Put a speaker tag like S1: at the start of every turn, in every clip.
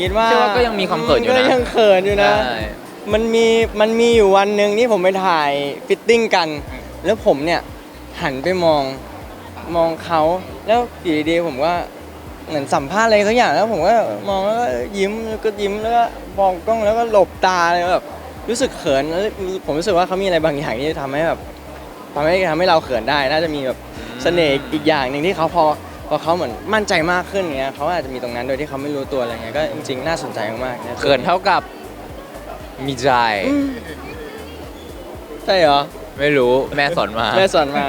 S1: คิดว่า
S2: ก็ยังมีความเขินอยู่นะ
S1: ก็ยังเขินอยู่นะมันมีอยู่วันหนึ่งที่ผมไปถ่ายฟิตติ้งกัน แล้วผมเนี่ยหันไปมองเขาแล้วอยู่ดีๆผมก็เหมือนสัมภาษณ์อะไรสักอย่างแล้วผมก็มองแล้วก็ยิ้มแล้วก็ยิ้มแล้วก็มองกล้องแล้วก็หลบตาเลยแบบรู้สึกเขินแล้วผมรู้สึกว่าเขามีอะไรบางอย่างที่ทำให้แบบทำให้เราเขินได้น่าจะมีแบบเสน่ห์อีกอย่างหนึ่งที่เขาพอเขาเหมือนมั่นใจมากขึ้นเงี้ยเขาอาจจะมีตรงนั้นโดยที่เขาไม่รู้ตัวอะไรเงี้ยก็จริงๆน่าสนใจมากๆ
S2: เขินเท่ากับมีใจ
S1: ใช่เหรอ
S2: ไม่รู้แม่สอนมา
S1: แม่สอนมา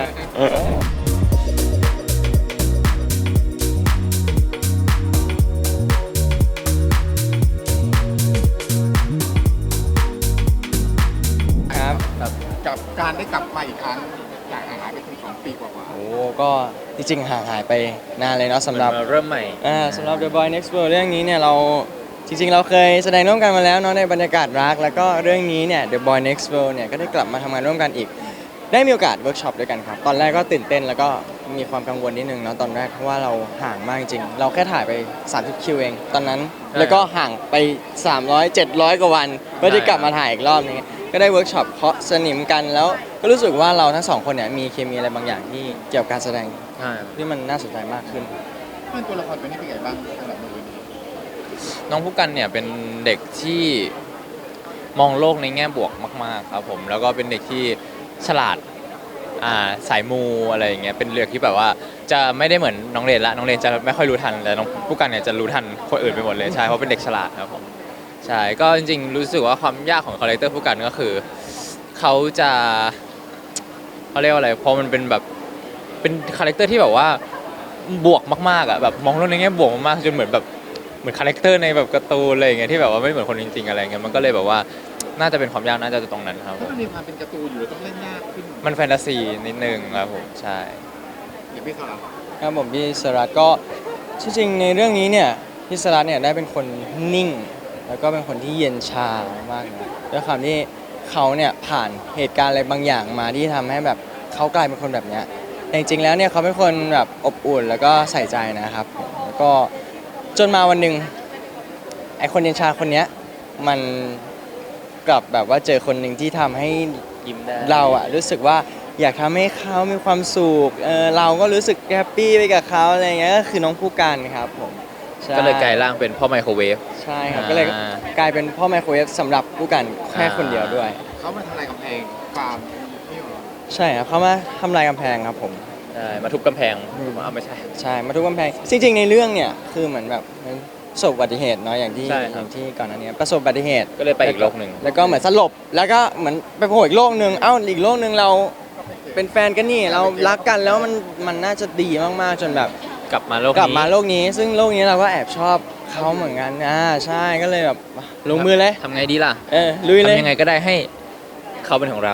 S1: ครับ
S3: กับการได้กลับมาอีกครั้งจากห่างหายไปถึง2 ปีกว่า
S1: โอ้ก็จริงๆห่างหายไปนานเลยเนาะสำหรับ
S2: เริ่มใหม่
S1: สำหรับ The Boy Next World เรื่องนี้เนี่ยเราจริงๆเราเคยแสดงร่วมกันมาแล้วเนาะในบรรยากาศรักแล้วก็เรื่องนี้เนี่ย The Boy Next World เนี่ยก็ได้กลับมาทำงานร่วมกันอีกได้มีโอกาสเวิร์กช็อปด้วยกันครับตอนแรกก็ตื่นเต้นแล้วก็มีความกังวลนิดนึงเนาะตอนแรกเพราะว่าเราห่างมากจริงเราแค่ถ่ายไป30คิวเองตอนนั้นแล้วก็ห่างไป300 700กว่าวันเพื่อที่กลับมาถ่ายอีกรอบนึงก็ได้เวิร์กช็อปเคาะสนิมกันแล้วก็รู้สึกว่าเราทั้งสองคนเนี่ยมีเคมีอะไรบางอย่างที่เกี่ยวกับการแสดงที่มันน่าสนใจมากขึ้น
S3: เพื่อนตัวละครเป็นนี่เป็นไงบ้างสำหรับมือนี้
S2: น้องผู้กันเนี่ยเป็นเด็กที่มองโลกในแง่บวกมากๆครับผมแล้วก็เป็นเด็กที่ฉลาดสายมูอะไรอย่างเงี้ยเป็นเรื่องที่แบบว่าจะไม่ได้เหมือนน้องเรนละน้องเรนจะไม่ค่อยรู้ทันแต่น้องผู้กันเนี่ยจะรู้ทันคนอื่นไปหมดเลยใช่เพราะเป็นเด็กฉลาดครับผมใช่ก็จริงๆรู้สึกว่าความยากของคาแรคเตอร์ผู้กันก็คือเขาจะเขาเรียกว่าอะไรพอมันเป็นแบบเป็นคาแรคเตอร์ที่แบบว่าบวกมากๆอ่ะแบบมองโลกในแง่บวกมากๆจนเหมือนคาแรคเตอร์ในแบบการ์ตูนอะไรอย่างเงี้ยที่แบบว่าไม่เหมือนคนจริงๆอะไรเงี้ยมันก็เลยแบบว่าน่าจะเป็นความยากน่าจะตรงนั้นครับ
S3: เพราะมันมีความเป็นการ์ตูนอยู่ต้องเล่นยากขึ้น
S2: มันแฟนตาซีนิดนึงครับผมใช่
S3: เดี๋ยวพี่สลับ
S1: ครับผมพี่สรัตก็จริงๆในเรื่องนี้เนี่ยพี่สรัตเนี่ยได้เป็นคนนิ่งแล้วก็เป็นคนที่เย็นชามากนะด้วยความที่เขาเนี่ยผ่านเหตุการณ์อะไรบางอย่างมาที่ทำให้แบบเขากลายเป็นคนแบบเนี้ยแต่จริงๆแล้วเนี่ยเขาเป็นคนแบบอบอุ่นแล้วก็ใส่ใจนะครับแล้วก็จนมาวันหนึ่งไอคนเย็นชาคนเนี้ยมันกลับแบบว่าเจอคนหนึ่งที่ทำให้
S2: ยิ้มได้
S1: เราอะรู้สึกว่าอยากทำให้เขามีความสุขเราก็รู้สึกแฮปปี้ไปกับเขาอะไรเงี้ยก็คือน้องผู้กันครับผม
S2: ก็เลยกลายร่างเป็นพ่อไมโครเวฟ
S1: ใช่ครับก็เลยกลายเป็นพ่อไมโครเวฟสำหรับผู้กันแค่คนเดียวด้วย
S3: เขามาทำลายกำแพงฟาร์มนี่หรอ
S1: ใช่ครับเขามาทำลายกำแพงครับผม
S2: ใช่มาทุบกำแพงไม่ใช่
S1: ใช่มาทุบกำแพงจริงๆในเรื่องเนี่ยคือเหมือนแบบประสบอุบัติเหตุเนาะอย่างที่ก่อนหน้านี้ประสบอุบัติเหตุ
S2: ก็เลยไปอีกโลกหนึ่ง
S1: แล้วก็เหมือนสลบแล้วก็เหมือนไปโผล่อีกโลกหนึ่งอีกโลกหนึ่งเราเป็นแฟนกันนี่เรารักกันแล้วมันน่าจะดีมากๆจนแบบ
S2: กลับมาโล
S1: กนี้ซึ่งโลกนี้เราก็แอบชอบเขาเหมือนกันใช่ก็เลยแบบลงมือเลย
S2: ทำไงดีล่ะ
S1: ลุยเลย
S2: ทำยังไงก็ได้ให้เขาเป็นของเรา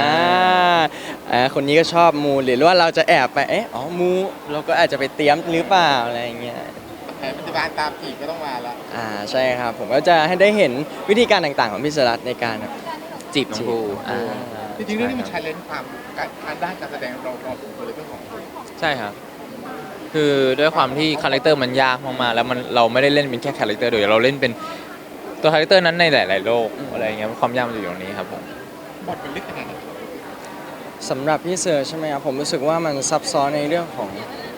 S1: คนนี้ก็ชอบมูหรือว่าเราจะแอบไปมูเราก็อาจจะไปเตรียมหรือเปล่าอะไรอย่างเงี้ย
S3: แผนปฏิบัติตามอีกก็ต้องมาละ
S1: ใช่ครับผมก็จะให้ได้เห็นวิธีการต่างๆของพี่สรัตในการ
S2: จีบน้องภู
S3: จริงๆเรื่องนี้มันใช้เลนส์ความการด้านการแสดงเราตัวเลยเรื่องของ
S2: ใช่ครับคือด้วยความที่คาแรคเตอร์มันยากมากๆแล้วเราไม่ได้เล่นเป็นแค่คาแรคเตอร์เดียวเราเล่นเป็นตัวคาแรคเตอร์นั้นในหลายๆโลกอะไรอย่างเงี้ยความยากมันอยู่ตรงนี้ครับผม
S3: บทมันลึกขนาดไหน
S1: สำหรับพี่เซอร์ใช่ไหมครับผมรู้สึกว่ามันซับซ้อนในเรื่องของ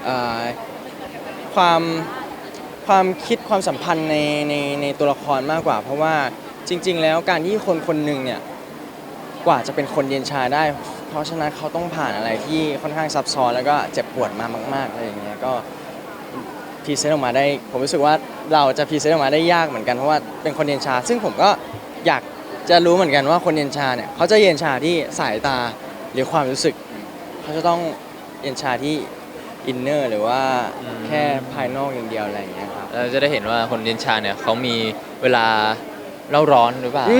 S1: ความคิดความสัมพันธ์ในตัวละครมากกว่าเพราะว่าจริงๆแล้วการที่คนคนหนึ่งเนี่ยกว่าจะเป็นคนเย็นชาได้เพราะฉะนั้นเขาต้องผ่านอะไรที่ค่อนข้างซับซ้อนแล้วก็เจ็บปวดมามากๆอะไรอย่างเงี้ยก็พรีเซนต์ออกมาได้ผมรู้สึกว่าเราจะพรีเซนต์ออกมาได้ยากเหมือนกันเพราะว่าเป็นคนเย็นชาซึ่งผมก็อยากจะรู้เหมือนกันว่าคนเย็นชาเนี่ยเขาจะเย็นชาที่สายตาหรือความรู้สึกเขาจะต้องเย็นชาที่อินเนอร์หรือว่าแค่ภายนอกอย่างเดียวอะไรอย่างเงี้ยครับ
S2: เราจะได้เห็นว่าคนเย็นชาเนี่ยเขามีเวลาเล่าร้อนหรือเปล่า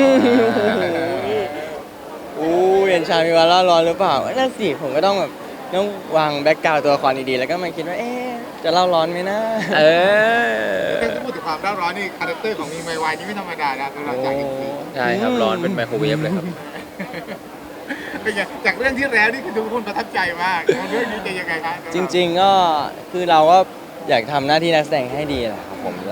S1: เย็นชามีเวลาเล่าร้อนหรือเปล่านั่นสิผมก็ต้องแบบต้องวางแบ็กกราวด์ตัวละครดีๆแล้วก็มาคิดว่าจะเล่าร้อนไหมนะ
S3: ถ้าพูดถึงความเล่าร้อนนี่คาแรคเตอร์ของมีไมวายนี่ไม่ธรรมดานะสำหรับจาก
S2: ใช่ครับร้อนเป็นไมโครเวฟเลยครับ
S3: เป็นไงจากเรื่องที่แล้วนี่คือทุกคนประทับใจมากเรื่องนี้จะยังไงครับ
S1: จริงๆก็คือเราก็อยากทำหน้าที่นักแสดงให้ดีแหละครับผมเรา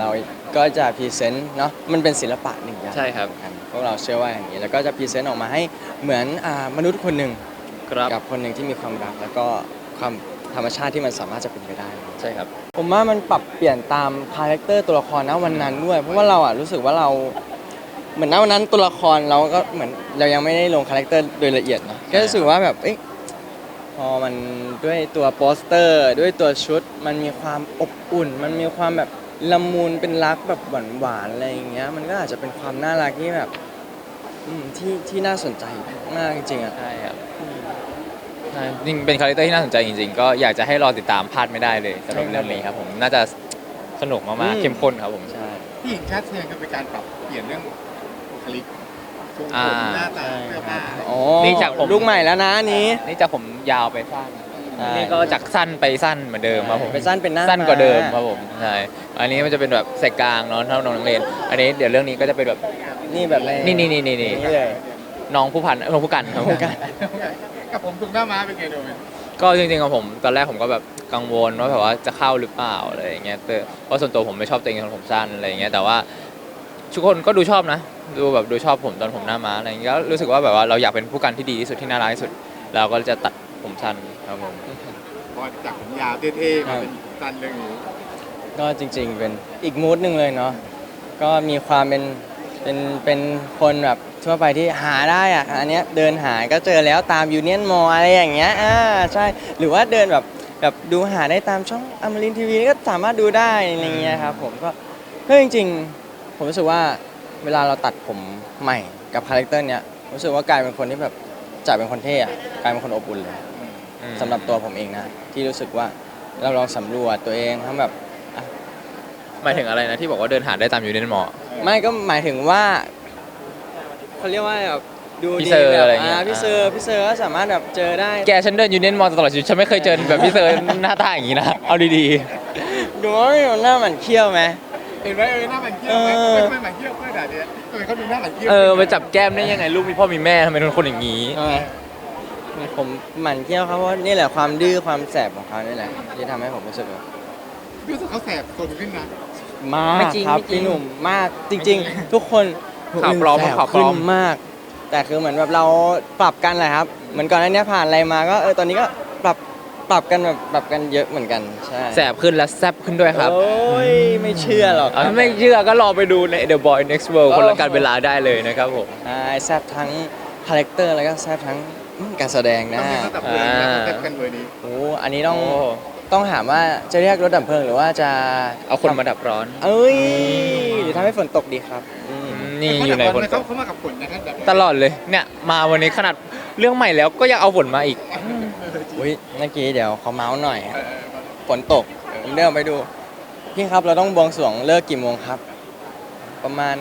S1: ก็จะพรีเซนต์เนาะมันเป็นศิลปะหนึ่งอย่าง
S2: ใช่ครับ
S1: พวกเราเชื่อว่าอย่างนี้แล้วก็จะพรีเซนต์ออกมาให้เหมือนมนุษย์คนหนึ่ง
S2: ครับ
S1: กับคนหนึ่งที่มีความรักแล้วก็ความธรรมชาติที่มันสามารถจะเป็นไปได้
S2: ใช่ครับ
S1: ผมว่ามันปรับเปลี่ยนตามคาแรคเตอร์ตัวละครนะวันนั้นด้วย เพราะว่าเรารู้สึกว่าเราเหมือนณวันนั้นตัวละครเราก็เหมือนเรายังไม่ได้ลงคาแรคเตอร์โดยละเอียดเนาะก็รู้สึกว่าแบบพอมันด้วยตัวโปสเตอร์ด้วยตัวชุด มันมีความอบอุ่น มันมีความแบบละมุนเป็นรักแบบหวานๆอะไรอย่างเงี้ยมันก็อาจจะเป็นความน่ารักที่แบบที่น่าสนใจมากจริงๆอ่ะ
S2: ใช่ครับใช่จริงเป็นคาแรคเตอร์ที่น่าสนใจจริงๆ ก็อยากจะให้รอติดตามพลาดไม่ได้เลยสำหรับเรื่องนี้ครับผมน่าจะสนุกมากๆเข้มข้นครับผม
S1: ใช่
S3: ที่หญิงชาติเชียงก็เป็นการปรับเปลี่ยนเรื่องบุคลิกทรง
S2: อ่า
S3: ผมหน้าตาเสื้อผ้า
S1: อ๋อ
S2: นี่จากผม
S1: ลูกใหม่แล้วนะอันนี้
S2: นี่จากผมยาวไปสั้น
S1: ใช่
S2: นี่ก็จากสั้นไปสั้นเหมือนเดิมครับผม
S1: เป็นสั้นเป็นหน้า
S2: สั้นกว่าเดิม
S1: ม้
S2: ครับผมใช่อันนี้มันจะเป็นแบบใส่กลางเนาะเท่าน้องนักเรียนอันนี้เดี๋ยวเรื่องนี้ก็จะเป็นแบบ
S1: นี่แบบ
S2: นี่
S1: นี่เลย
S2: น้องผู้พันน้องผู้กันครับผม
S3: กับผมถูกหน้าม้าเป็นไงโดย
S2: ก็จริงๆของผมตอนแรกผมก็แบบกังวลว่าแบบว่าจะเข้าหรือเปล่าอะไรอย่างเงี้ยแต่เพราะส่วนตัวผมไม่ชอบตัวเองตอนผมสั้นอะไรอย่างเงี้ยแต่ว่าทุกคนก็ดูชอบนะดูชอบผมตอนผมหน้าม้าอะไรอย่างเงี้ยก็รู้สึกว่าแบบว่าเราอยากเป็นผู้กันที่ดีที่สุดที่น่ารักที่สุดเราก็จะตัดผมสั้นครับผม
S3: พอจากผมยาวเท่ๆมาเป็นสั้นเรื่องนี้
S1: ก็จริงๆเป็นอีกมูดหนึ่งเลยเนาะก็มีความเป็นคนแบบทั่วไปที่หาได้อะอันเนี้ยเดินหาก็เจอแล้วตามยูเนียนมออะไรอย่างเงี้ยใช่หรือว่าเดินแบบดูหาได้ตามช่องอมรินทีวีก็สามารถดูได้อะไรเงี้ยครับผมก็จริงๆผมรู้สึกว่าเวลาเราตัดผมใหม่กับคาแรคเตอร์เนี้ยรู้สึกว่ากลายเป็นคนที่แบบจากเป็นคนเท่อะกลายเป็นคนอบอุ่นเลยสำหรับตัวผมเองนะที่รู้สึกว่าเราลองสำรวจตัวเองทั้งแบบ
S2: หมายถึงอะไรนะที่บอกว่าเดินหาได้ตามยูเนียนมอ
S1: ไม่ก็หมายถึงว่าเขาเรียกว่าแบบดู
S2: พี่
S1: ดี
S2: เซอร์
S1: แบบ
S2: อะไรเงี้ย
S1: พี่เซอร์ก็สามารถแบบเจอได้
S2: แกฉันเดินยูเนียนมอตลอดชีวิตฉันไม่เคยเจอแบบพี่เซอร์หน้าตาอย่างนี้นะเอาดี
S1: ดูว่าหน้าหมันเขี้ยวไหม
S3: เห็นไหมหน้ามันเขี้ยวไหมไม่หมันเขี้ยวเพื่อนด่าเนี่ยเขาดูหน้ามันเขี้ยว
S2: ไปจับแก้มได้ยังไงลูกมีพ่อมีแม่ทำไมเป็นคนอย่างนี้
S1: ใช่ไหมผมหมั่นเขี้ยวเขาเพราะนี่แหละความดื้อความแสบของเขานี่แหละที่ทำให้ผมรู้สึกแบบ
S3: รู้สึกเขาแสบคนขึ้นนะ
S1: มาก
S2: ไม่จริง
S1: ครับ
S2: ไม่จริง
S1: พี่หนุ่มมากจริง ๆ ทุกคน
S2: ข่าวปลอม
S1: แสบ
S2: ข่าวปล
S1: ขึ้
S2: อน ม
S1: มาก แต่คือเหมือนแบบเราปรับกันแหละครับ เหมือนก่อนหน้านี้ผ่านอะไรมาก็ตอนนี้ก็ปรับกันแบบปรับกันเยอะเหมือนกันใช่
S2: แสบขึ้นและแซบขึ้นด้วยครับ
S1: โอ้ยไม่เชื่อหรอก
S2: ถ้าไม่เชื่อก็รอไปดูใน The Boy Next World คนละการเวลาได้เลยนะครับผม
S1: ใช่แซบทั้งคาแรคเตอร์แล้วก็แซบทั้งการแสดงนะ
S3: ต้องมีระดับเพลงนะเขาแซบกันเบอร์นี้
S1: โอ้อันนี้ต้องถามว่าจะเรียกรถดับเพลิงหรือว่าจะ
S2: เอาคนมาดับร้อน
S1: เอ้ยหรือทำให้ฝนตกดีครับ
S2: นี่อยู่ในฝนตก
S3: เขามากับฝนนะครับแบบ
S2: ตลอดเลยเนี่ยมาวันนี้ขนาดเรื่องใหม่แล้วก็ยังเอาฝนมาอีก
S1: อุ้ยเมื่อกี้เดี๋ยวเขาเมาส์หน่อยฝนตกผมเดินไปดูพี่ครับเราต้องบวงสรวงเลิกกี่โมงครับ ประมาณ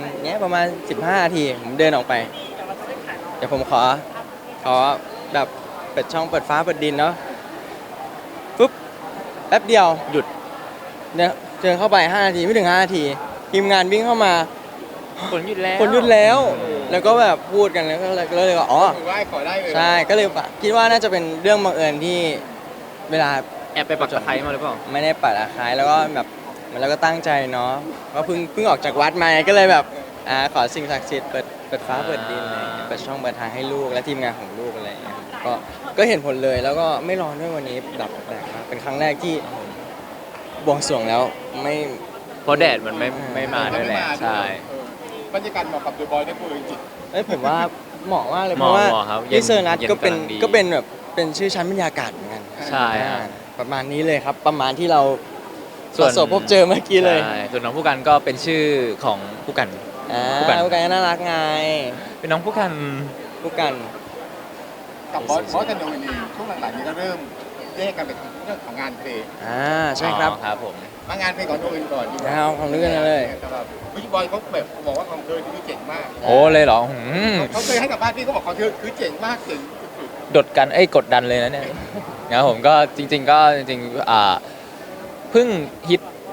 S1: 15 นาทีผมเดินออกไป เดี๋ยวผมขอแบบเปิดช่องเปิดฟ้าเปิดดินเนาะปุ๊บแป๊บเดียวหยุดเนี่ยเดินเข้าไป5 นาทีไม่ถึง5 นาทีทีมงานวิ่งเข้ามา
S2: ฝนหยุดแล้ว
S1: ฝนหยุดแล้ว แล้วก็แบบพูดกันแล้วก็เลยว่าอ๋อ
S3: ถือว่าขอได้เลย
S1: ใช่ก็เลยคิดว่าน่าจะเป็นเรื่องบังเอิญที่เวลา
S2: แอบไปปักตะไคร้มาหรือเปล่า
S1: ไม่ได้ปัดอาคายแล้วก็แบบเหมันเราก็ตั้งใจเนาะก็เพิ่งออกจากวัดมาก็เลยแบบขอสิ่งศักดิ์สิทธิ์เปิดฟ้าเปิดดินอะไรอย่างเงี้ยเปิดช่องเปิดทางให้ลูกและทีมงานของลูกอะไรอย่างเงี้ยก็เห็นผลเลยแล้วก็ไม่ร้อนด้วยวันนี้ดับแปลกมากเป็นครั้งแรกที่บวงสรวงแล้วไม่
S2: เพราะแดดมันไม่มาด้วยแหละใช่
S3: บรรยากาศเหมาะกับดูบอยได้พูดจริง
S1: ผมว่าเหมาะมากเลย
S2: เห
S1: เพ
S2: มาะ
S1: ราะว่า
S2: เหมาะครับเย็น
S1: พี่เซอร์นัท
S2: เย็น
S1: ก็เป็น
S2: กำลังดี
S1: ก็เป็นแบบเป็นชื่อชั้นบรรยากาศเหมือนกัน
S2: ใช่ครับ
S1: ประมาณนี้เลยครับ ประมาณที่เรา
S2: ส่วน
S1: ประสบพบเจอเมื่อกี้เลย
S2: ใช่ส่วนน้องผู้กันก็เป็นชื่อของผู้กัน ผู้กัน
S1: ผู้กันก็น่ารักไง
S2: เป็นน้องผู้กัน
S1: ผู้กัน
S3: ๆกับบอสกับโนนี่ช่วงหลังๆนี้ก็เริ่มแยกกันไปทางเรื่องของงานเพลง
S1: ใช่ครับ
S2: อ๋อครับผม
S3: มางานเพลงของโนนี่ก่อนดีกว่า
S1: เอาของด้วยกันเลย
S3: สำหรับพี่บอยเขาแบบบอกว่าของเธอที่เจ๋งมาก
S2: โอ้เลยเหรอ
S3: เขาเคยให้สัมภาษณ์พี่เขาบอกของเธอคือเจ๋งมากเจ๋งสุด
S2: กดดันเลยนะเนี่ย นะครับผมก็จริงๆเพิ่งฮิต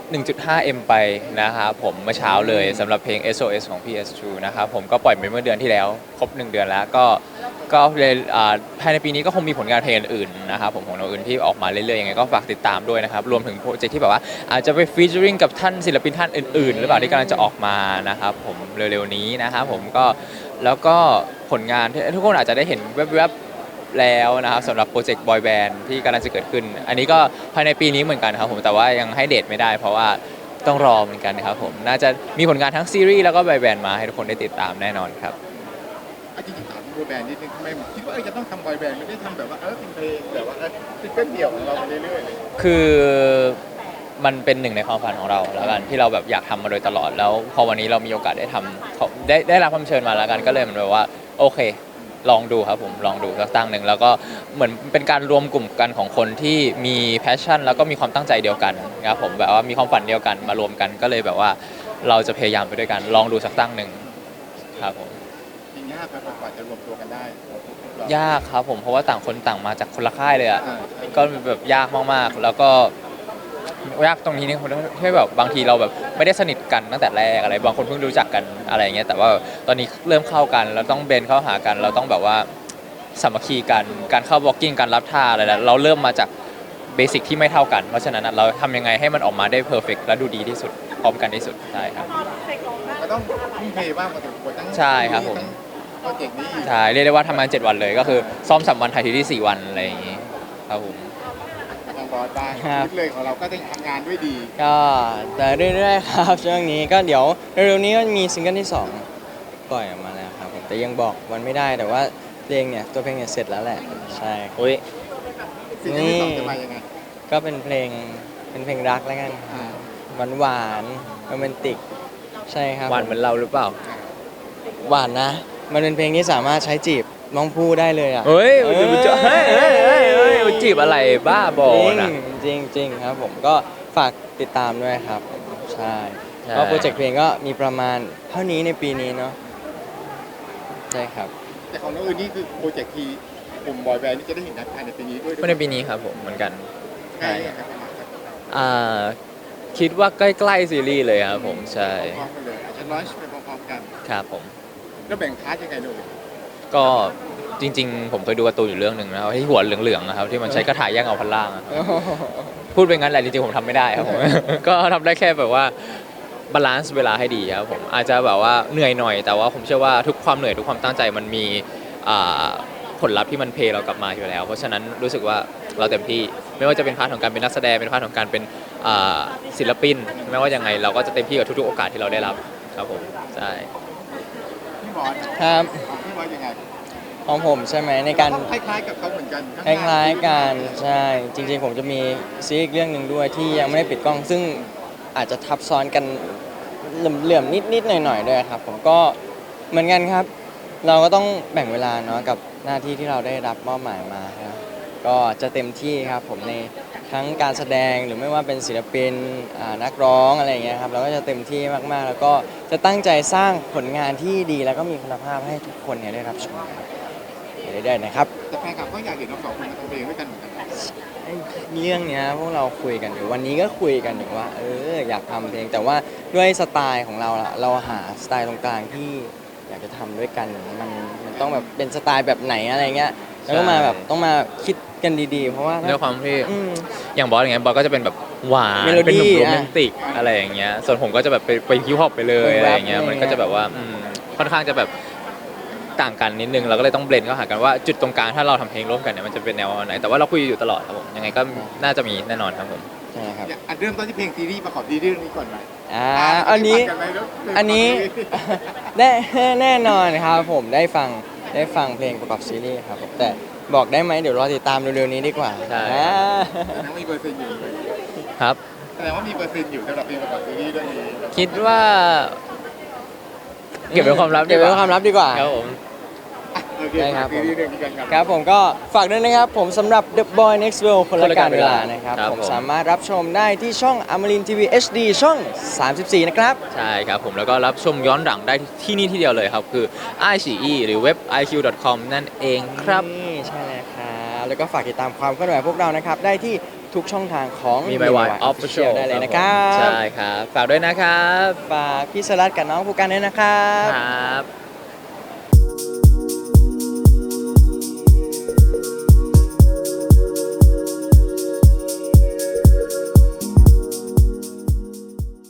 S2: 1.5M ไปนะครับผมเมื่อเช้าเลยสำหรับเพลง SOS ของ PS2 นะครับผมก็ปล่อยไปเมื่อเดือนที่แล้วครบ1 เดือนแล้วก็เลยภายในปีนี้ก็คงมีผลงานเพลงอื่นๆนะครับผมของเราอื่นที่ออกมาเรื่อยๆยังไงก็ฝากติดตามด้วยนะครับรวมถึงโปรเจกต์ที่แบบว่าอาจจะไปฟีเจอริงกับท่านศิลปินท่านอื่นๆหรือเปล่าที่กำลังจะออกมานะครับผมเร็วๆนี้นะครับผมก็แล้วก็ผลงานที่ทุกคนอาจจะได้เห็นแวบๆแล้วนะครับสำหรับโปรเจกต์บอยแบนด์ที่กำลังจะเกิดขึ้นอันนี้ก็ภายในปีนี้เหมือนกันครับผมแต่ว่ายังให้เดทไม่ได้เพราะว่าต้องรอเหมือนกันครับผมน่าจะมีผลงานทั้งซีรีส์แล้วก็บอยแบนด์มาให้ทุกคนได้ติดตามแน่นอนครับ
S3: จริงๆถามบอยแบนด์นิดนึงทำไมคิดว่าจะต้องทำบอยแบนด์ไม่ได้ทำแบบว่าเป็นเพลงแบบว่าซิงเกิลเดี่ยวของเราไปเรื่อยๆเลย
S2: คือมันเป็นหนึ่งในความฝันของเราแล้วกันที่เราแบบอยากทำมาโดยตลอดแล้วพอวันนี้เรามีโอกาสได้ทำเขาได้รับความเชิญมาแล้วกันก็เลยเหมือนแบบว่าโอเคลองดูครับผมลองดูสักตั้งหนึ่งแล้วก็เหมือนเป็นการรวมกลุ่มกันของคนที่มีแพชชั่นแล้วก็มีความตั้งใจเดียวกันครับผมแบบว่ามีความฝันเดียวกันมารวมกันก็เลยแบบว่าเราจะพยายามไปด้วยกันลองดูสักตั้งหนึ่งครับผม
S3: จริงยากไหมกว่าจะรวมตัวกันได้
S2: ยากครับผมเพราะว่าต่างคนต่างมาจากคนละค่ายเลยอ่ะ
S3: อ่า
S2: ก็แบบยากมากๆ แล้วก็ยากตรงนี้นี่ที่แบบบางทีเราแบบไม่ได้สนิทกันตั้งแต่แรกอะไรบางคนเพิ่งรู้จักกันอะไรอย่างเงี้ยแต่ว่าตอนนี้เริ่มเข้ากันเราต้องเบนเข้าหากัน เราต้องแบบว่าสามัคคีกันการเข้าบล็อกกิ้งการรับท่าอะไรแล้วเราเริ่มมาจากเบสิกที่ไม่เท่ากันเพราะฉะนั้นเราทำยังไงให้มันออกมาได้เพอร์เฟกและดูดีที่สุดพร้อมกันที่สุดใช่ครับ
S3: ก็ต้องทุ่มเทบ้างพอสมควรทั้ง
S2: ใช่ครับผม
S3: ทั้งโปรเจกต์นี้
S2: ใช่เรียกได้ว่าทำงาน7 วันเลยก็คือซ้อม3 วันถ่ายทีที่4 วันอะไรอย่างงี้ครับผม
S3: ทางบอสบ้าง
S1: ครับ
S3: ชีวิตเลยของเราก็ต้องทำงานด้วยดี
S1: ก็แต่เรื่อยๆครับช่วงนี้ก็เดี๋ยวเร็วๆนี้ก็มีซิงเกิลที่สองปล่อยออกมาแล้วครับผมแต่ยังบอกวันไม่ได้แต่ว่าเพลงเนี่ยตัวเพลงเนี่ยเสร็จแล้วแหละใช่ครับ
S2: อุ้ย
S3: สิ่งที่สองจะมายังไง
S1: ก็เป็นเพลงรักแล้วกัน
S3: อ่า
S1: หวานโรแมนติกใช่ครับ
S2: หวานเหมือนเราหรือเปล่า
S1: หวานนะ มันเป็นเพลงที่สามารถใช้จีบน้องผู้ได้เลยอ่ะ
S2: เฮ้ยจีบอะไรบ้าบอนะ
S1: จริงจริงครับผมก็ฝากติดตามด้วยครับผมใช่
S2: ใช่
S1: ก็โปรเจกต์เพลงก็มีประมาณเท่านี้ในปีนี้เนาะใช่ครับ
S3: แต่ของน้องอื่นนี่คือโปรเจกต์ที่กลุ่มบอยแบนด์นี่จะได้เห็นภายในปีนี้ด้วย
S2: ก็ในปีนี้ครับผมเหมือนกัน
S3: ใช่ครับ
S2: อ่าคิดว่าใกล้ๆซีรีส์เลยครับผมใช่
S3: พร้อมกันเลยอาจจะลอนช์ไปพร้อมๆกัน
S2: ครับผม
S3: แล้วแบ่งพาร์ทยังไงดู
S2: ก็จริงๆ ผมเคยดูการ์ตูนอยู่เรื่องหนึ่งนะครับที่หัวเหลืองๆนะครับที่มันใช้กระถายแย่งเอาพันล่างอะพูดไปงั้นแหละจริงๆผมทำไม่ได้ครับผม ก็ทำได้แค่แบบว่าบาลานซ์เวลาให้ดีครับผมอาจจะแบบว่าเหนื่อยหน่อยแต่ว่าผมเชื่อว่าทุกความเหนื่อยทุกความตั้งใจมันมีอ่าผลลัพธ์ที่มันเพย์เรากลับมาอยู่แล้ว เพราะฉะนั้นรู้สึกว่าเราเต็มที่ไม่ว่าจะเป็นพาร์ทของการเป็นนักแสดงเป็นพาร์ทของการเป็นศิลปินไม่ว่ายังไงเราก็จะเต็มที่กับทุกๆโอกาสที่เราได้รับครับผมใช่
S3: พี่บอส
S1: ครับ
S3: ของพี่บอสยังไง
S1: ของผมใช่ไหมในการ
S3: คล้ายๆกับเขาเหมือนกัน
S1: คล้ายๆกันใช่จริงๆผมจะมีซีรีส์อีกเรื่องหนึ่งด้วยที่ยังไม่ได้ปิดกล้องซึ่งอาจจะทับซ้อนกันเหลื่อมๆนิดๆหน่อยๆด้วยครับผมก็เหมือนกันครับ เราก็ต้องแบ่งเวลาเนาะกับหน้าที่ที่เราได้รับมอบหมายมาครับก็จะเต็มที่ครับผมในทั้งการแสดงหรือไม่ว่าเป็นศิลปินนักร้องอะไรอย่างเงี้ยครับเราก็จะเต็มที่มากๆ แล้วก็จะตั้งใจสร้างผลงานที่ดีแล้วก็มีคุณภาพให้ทุกคนเนี่ยได้รับชมครับไปเรื่อยๆนะครับ
S3: แต่แฟนคลับก็อยากเห็นเราสองคนมาทำเพลงด้วยกันเหมือนกัน
S1: เรื่องเนี้ยพวกเราคุยกันอยู่วันนี้ก็คุยกันอยู่ว่าอยากทำเพลงแต่ว่าด้วยสไตล์ของเราละเราหาสไตล์ตรงกลางที่อยากจะทำด้วยกันมันต้องแบบเป็นสไตล์แบบไหนอะไรเงี้ยแล้วก็มาแบบต้องมาคิดกันดีๆ เพราะว่า
S2: ด้วยความที่
S1: อืม
S2: อย่างบอสอย่างเงี้ยบอสก็จะเป็นแบบหวาน
S1: เมโลดี้
S2: เป็นหนุ่มโร
S1: อ่ะ
S2: แมนติกอะไรอย่างเงี้ยส่วนผมก็จะแบบไปฮิปฮอปไปเลย
S1: เป็น
S2: อะไร
S1: แรป
S2: อย่างเงี้ย
S1: อะไร
S2: มันก็จะแบบว่าค่อนข้างจะแบบต่างกันนิดนึงเราก็เลยต้องเบลนเข้าหากันว่าจุดตรงกลางถ้าเราทำเพลงร่วมกันเนี่ยมันจะเป็นแนวไหนแต่ว่าเราคุยอยู่ตลอดครับผมยังไงก็น่าจะมีแน่นอนครับผม
S1: ใช่ครับ
S3: อันเริ่มต้นที่เพลงซีรีส์ประกอบซีรีส์เรื่องนี้ก่อนไหม
S1: อันนี้
S3: ได้ฟังกัไหมเรื่อง
S1: อันนี้ แน่นอนครับผมได้ฟังเพลงประกอบซีรีส์ครับผมแต่บอกได้ไหมเดี๋ยวรอติดตามเร็วๆนี้ดีกว่า
S2: ใช่
S1: อ่า
S3: แสดงว่ามีเปอร์เซ็นต์อยู่
S2: ครับ
S3: แสดงว่ามีเปอร์เซ็นต์อยู่สำหรับเพลงประกอบซีรีส์เรื่องนี้
S2: คิดว่า เก็บเป็นความลับ
S1: เก็บเป็นความลับดีกว่า
S2: ครับผม
S3: อ่ะโอเค
S1: ได้ครับ
S3: ซีรีส์เรื่องนี้กันครับ
S1: ครับผมก็ฝากด้วยนะครับผมสำหรับ The Boy Next World คนละการเวลานะครับ
S2: ครับ
S1: ผม
S2: ผม
S1: สามารถรับชมได้ที่ช่องอมรินทีวี HD ช่อง 34 นะครับ
S2: ใช่ครับผมแล้วก็รับชมย้อนหลังได้ที่นี่ที่เดียวเลยครับคือ iQIYI หรือเว็บ iq.com นั่นเองครับ
S1: นี่ใช่แล้วครับแล้วก็ฝากติดตามความเคลื่อนไหวพวกเรานะครับ ได้ที่ทุกช่องทางของ
S2: มี MyY
S1: Official
S2: Official
S1: ได้เลยนะครับ
S2: ใช่ครับ ฝากด้วยนะครับ
S1: ฝากพี่สลัดกับน้องผู้กันด้วยนะครับ
S2: ครับ